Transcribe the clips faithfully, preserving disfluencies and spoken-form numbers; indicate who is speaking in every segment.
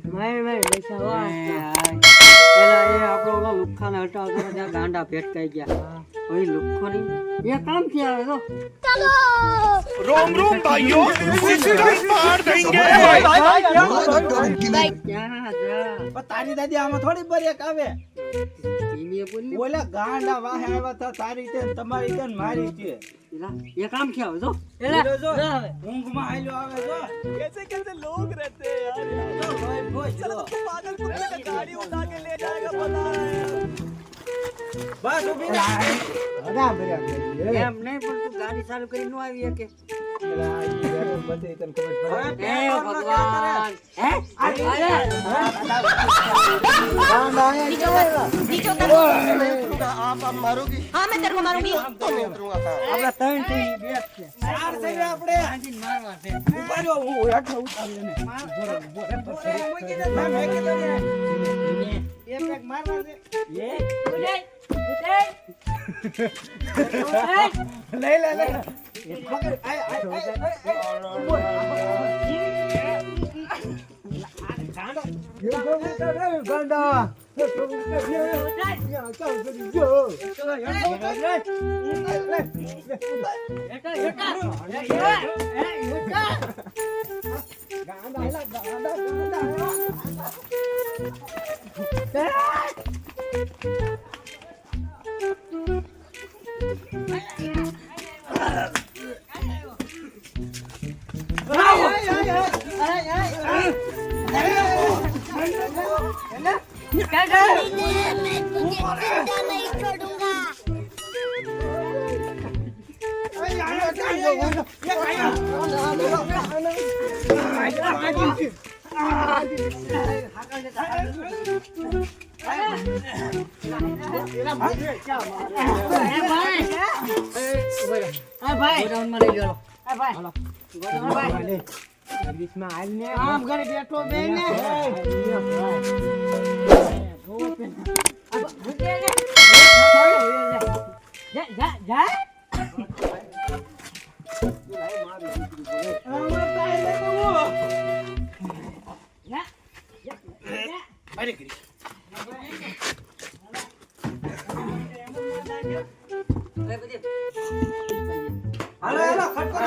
Speaker 1: My my પૈસા વાહ
Speaker 2: પેલા એ આપણો ઓલા લુખ્ખાને હટાવતો ત્યાં ગાંડા ભેટકાઈ ગયા ઓય લુખ્ખોની એ કામ થી આવે તો
Speaker 3: चलो रोम रोम भाइयों सिस्टम मार देंगे भाई भाई
Speaker 2: ક્યાં જા
Speaker 1: તારી દાદી આમાં થોડી બ્રેક આવે
Speaker 2: ધીમે બોલ
Speaker 1: ઓલા ગાંડા વાહે આવ્યા હતા તારી તે તમારી તે ને મારી તે
Speaker 2: એલા એ કામ થી આવે તો
Speaker 1: એલા જો ઊંઘમાં આલ્યો આવે જો
Speaker 3: कैसे कैसे लोग रहते हैं यार
Speaker 1: જો ભાઈ ભાઈ જો
Speaker 3: पागल कुत्ते का गाड़ी उठा के ले जाएगा पता है
Speaker 1: બસ ઉભી રહે અડા બ્રેક
Speaker 2: એમ નહીં પણ તું ગાડી ચાલુ કરી નો આવી કે
Speaker 1: એલા ઈ બેઠો બધી તને ખબર પડે
Speaker 2: હે ભગવાન હે અરે
Speaker 1: ગાંડા આયા કેવા
Speaker 4: नीचे उतर
Speaker 3: आप आप मारोगी
Speaker 4: हाँ मैं तेरे को मारूंगी
Speaker 3: तो मैं उतरूंगा
Speaker 2: આપડા ત્રણ થી બેક છે
Speaker 1: ચાર છે ને આપણે
Speaker 2: હાજી મારવા છે
Speaker 1: ઉભા રહ્યો હું હેઠો ઉતારી ને માર મૂકી દે મેં મેં કીધું ને એક એક મારવા છે એ
Speaker 2: ઉડે ઉડે
Speaker 1: લઈ લે લે પકડ આય આય બોલ ગાંડો ગાંડો
Speaker 4: मैं तुझे जिंदा नहीं छोड़ूंगा
Speaker 1: આમ ઘરે બેઠો બે ને હાલો હાલો ખટકો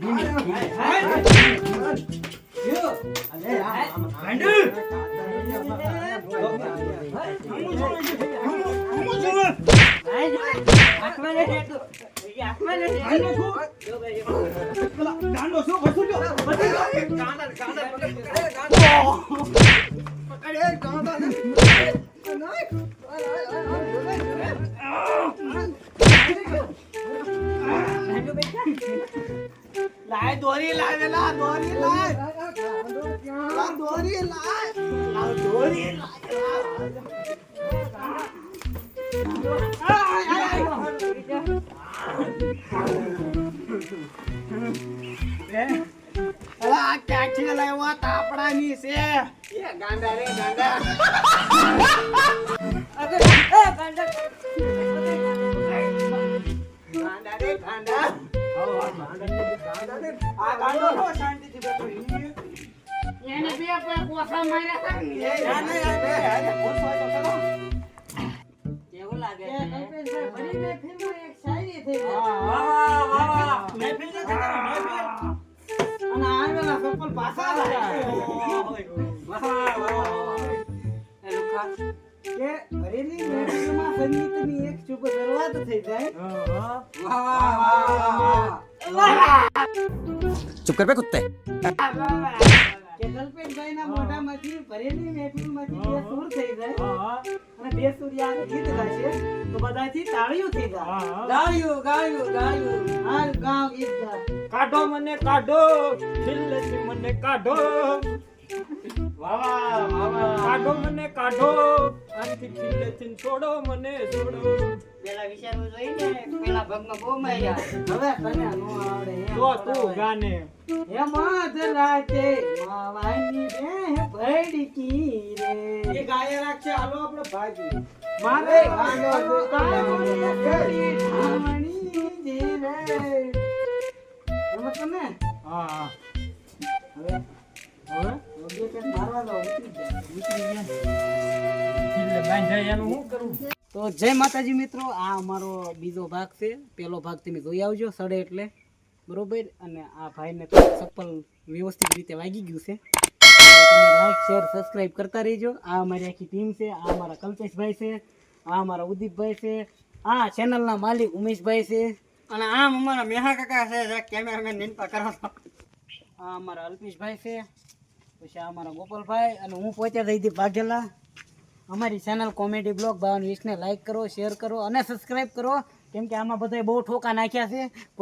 Speaker 1: લાય દોરી લાય લા દોરી લાય લા દોરી લાય લા દોરી લાય આ ક્યાંથી લાવ્યા તાપડાની છે એ ગાંડા રે ગાંડા અરે એ ગાંડા ગાંડા રે ગાંડા આ ગાંડો નો શાંતિથી બેઠો
Speaker 2: એને બે પર કોસા માર્યા હતા
Speaker 1: ના ના બે હાલે કોસો તો કરો
Speaker 2: કેવું લાગે
Speaker 1: એ કલ્પેશભાઈ ભરી મહેફિલમાં એક શાયરી થઈ ગઈ
Speaker 2: વાહ વાહ વાહ
Speaker 1: મહેફિલ છે તારો મહેફિલ અને આવેલા સફળ પાછા આવ્યા
Speaker 2: વાહ વાહ એ લુખા
Speaker 1: કે ભરેલી મહેફિલમાં સંગીતની એક શુભ શરૂઆત થઈ જાય
Speaker 2: વાહ વાહ વાહ
Speaker 3: चुप कर बे कुत्ते
Speaker 1: કે કલ્પેશભાઈના મોઢામાંથી ભરેલી મહેફિલમાંથી બે સૂર થઈ જાય અને બે સૂર્યા ગીત ગાશે તો બધાથી તાળીઓ થઈ જાય
Speaker 2: ગાયું ગાયું ગાયું
Speaker 1: આ ગાવ ગીત ગા
Speaker 5: કાઢો મને કાઢો છિલ્લેથી મને કાઢો
Speaker 2: વાહ વાહ વાહ વાહ
Speaker 5: કાઢો મને કાઢો આનથી છિલ્લેથી છોડો મને છોડો
Speaker 2: પેલા વિચારવું જોઈએ ને પેલા ભાગમાં બહુ માર્યા
Speaker 1: હવે તને નો આવડે એમ
Speaker 5: તો તું ગાને
Speaker 1: હે માધ રાતે માવાની બે ભડકી રે એ ગાય રાખશે હાલો આપણે ભાગી મારે ગાંડો કાળો કરી ઠામણી જે રે એમ તને
Speaker 5: હા હા
Speaker 1: હવે હવે ઓગે કે મારવા તો ઉતરી જાય.
Speaker 5: ઉતરી ગયા એટલે બાંધાય એનું શું કરવું?
Speaker 2: તો જય માતાજી મિત્રો, આ અમારો બીજો ભાગ છે. પહેલો ભાગ તમે જોઈ આવજો સડે એટલે બરોબર. અને આ ભાઈને તો ચપ્પલ વ્યવસ્થિત રીતે વાગી ગયું છે. તો તમે લાઈક શેર સબસ્ક્રાઈબ કરતા રહેજો. આ અમારી આખી ટીમ છે. આ અમારા કલ્પેશભાઈ છે, આ અમારા ઉદીપભાઈ છે, આ ચેનલના માલિક ઉમેશભાઈ છે, અને આમ અમારા મેહા કાકા છે જે કેમેરામેન નિનપા કરો છો. આ અમારા અલ્પેશભાઈ છે, પછી આ અમારા ગોપાલભાઈ, અને હું પોતે જયદીપ વાઘેલા. અમારી ચેનલ કોમેડી બ્લોગ બાવન વીસને લાઈક કરો, શેર કરો અને સબસ્ક્રાઈબ કરો, કેમ કે આમાં બધાય બહુ ઠોકા નાખ્યા છે.